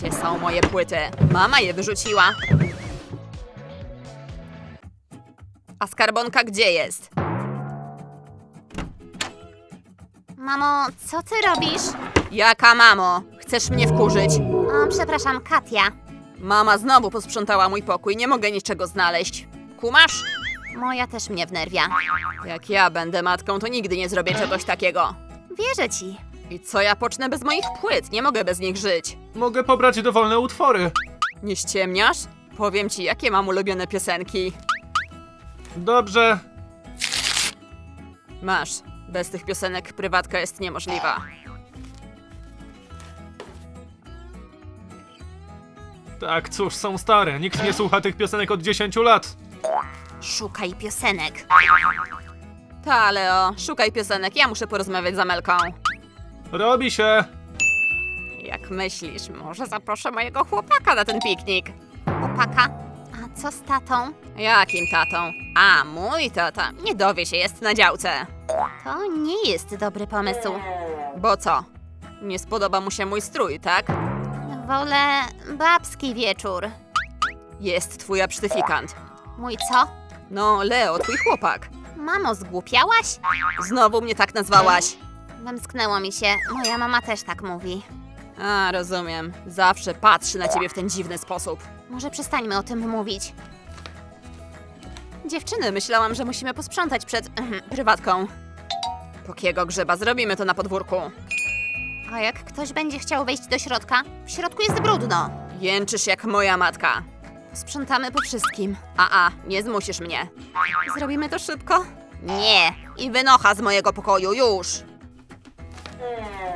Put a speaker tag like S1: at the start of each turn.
S1: Gdzie są moje płyty? Mama je wyrzuciła. A skarbonka gdzie jest?
S2: Mamo, co ty robisz?
S1: Jaka mamo? Chcesz mnie wkurzyć?
S2: O, przepraszam, Katia.
S1: Mama znowu posprzątała mój pokój, nie mogę niczego znaleźć. Kumasz?
S2: Moja też mnie wnerwia.
S1: Jak ja będę matką, to nigdy nie zrobię czegoś takiego.
S2: Wierzę ci.
S1: I co ja pocznę bez moich płyt? Nie mogę bez nich żyć.
S3: Mogę pobrać dowolne utwory.
S1: Nie ściemniasz? Powiem ci, jakie mam ulubione piosenki.
S3: Dobrze.
S1: Masz. Bez tych piosenek prywatka jest niemożliwa.
S3: Tak, cóż, są stare. Nikt nie słucha tych piosenek od 10 lat.
S2: Szukaj piosenek.
S1: Ta, Leo, szukaj piosenek, ja muszę porozmawiać z Amelką.
S3: Robi się.
S1: Jak myślisz, może zaproszę mojego chłopaka na ten piknik?
S2: Chłopaka. A co z tatą?
S1: Jakim tatą? A, mój tata. Nie dowie się, jest na działce.
S2: To nie jest dobry pomysł.
S1: Bo co? Nie spodoba mu się mój strój, tak?
S2: Wolę babski wieczór.
S1: Jest twój absztyfikant.
S2: Mój co?
S1: No, Leo, twój chłopak.
S2: Mamo, zgłupiałaś?
S1: Znowu mnie tak nazwałaś.
S2: Wymsknęło mi się. Moja mama też tak mówi.
S1: A, rozumiem. Zawsze patrzy na ciebie w ten dziwny sposób.
S2: Może przestańmy o tym mówić.
S1: Dziewczyny, myślałam, że musimy posprzątać przed prywatką. Pokiego grzeba, zrobimy to na podwórku.
S2: A jak ktoś będzie chciał wejść do środka? W środku jest brudno.
S1: Jęczysz jak moja matka. Sprzątamy po wszystkim. Nie zmusisz mnie. Zrobimy to szybko?
S2: Nie.
S1: I wynocha z mojego pokoju, już!